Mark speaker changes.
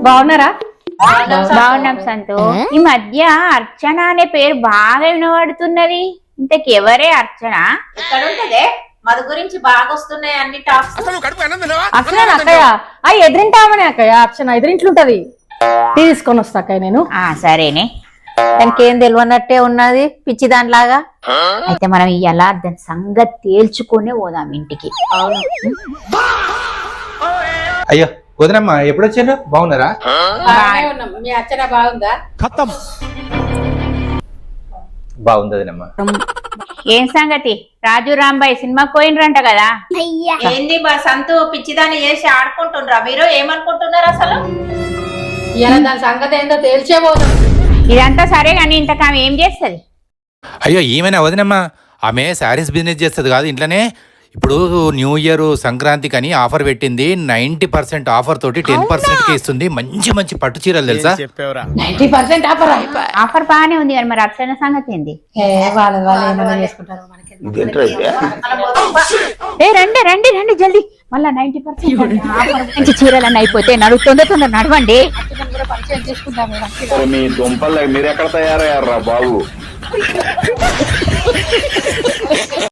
Speaker 1: బాగున్నారా?
Speaker 2: బాగున్నాం సంతు. ఈ మధ్య అర్చన అనే పేరు బాగా వినబడుతున్నది. ఇంతకెవరే అర్చన?
Speaker 3: ఎక్కడ ఉంటదే? మధు గురించి బాగా వస్తున్నాయి అన్ని టాప్స్.
Speaker 1: అర్చన అక్కయ్య, ఎదురింటామని అక్కయ్య. అర్చన ఎదురింట్లుంటది. తీసుకొని వస్తా అక్కయ్య నేను.
Speaker 2: సరేనే.
Speaker 3: దానికి ఏం తెలియనట్టే ఉన్నది, పిచ్చి దానిలాగా.
Speaker 2: అయితే మనం ఇలా దాని సంగతి తేల్చుకునే పోదాం ఇంటికి.
Speaker 4: అయ్యో వదినమ్మ ఎప్పుడు వచ్చారు? బాగున్నారా?
Speaker 1: మీ అర్చన బాగుందా?
Speaker 4: బాగుంది వదినమ్మ.
Speaker 2: ఏం సంగతి? రాజు రాంబాయ్ సినిమాకి పోయినరంట కదా?
Speaker 3: ఏంది మా సంతు పిచ్చిదాన్ని చేసి ఆడుకుంటుండ్రా? మీరు ఏమనుకుంటున్నారు అసలు?
Speaker 1: ఇలా దాని సంగతి ఏందో తేల్చే పోదాం.
Speaker 2: ఇదంతా సరే గాని ఇంతకు ఆమె ఏం చేస్తుంది?
Speaker 5: అయ్యో ఏమైనా వదినమ్మా, ఆమె శారీస్ బిజినెస్ చేస్తుంది కాదు ఇంట్లోనే. ఇప్పుడు న్యూ ఇయర్ సంక్రాంతికి అని ఆఫర్ పెట్టింది. 90% ఆఫర్ తోటి 10% ఇస్తుంది. మంచి మంచి పట్టు చీరలు తెలుసా?
Speaker 1: 90% ఆఫర్.
Speaker 2: ఆఫర్ బాగానే ఉంది కానీ మరి అర్చన సంగతి ఏంది?
Speaker 1: వాళ్ళు ఏమైనా చేసుకుంటారు మనకి.
Speaker 2: రండి రండి రండి జల్దీ. మళ్ళా 90% ఆఫర్ మంచి చీరలన్నీ అయిపోతే తొందర నడవండి.
Speaker 6: మీ దుంపలు మీరు ఎక్కడ తయారయ్యారా బాబు?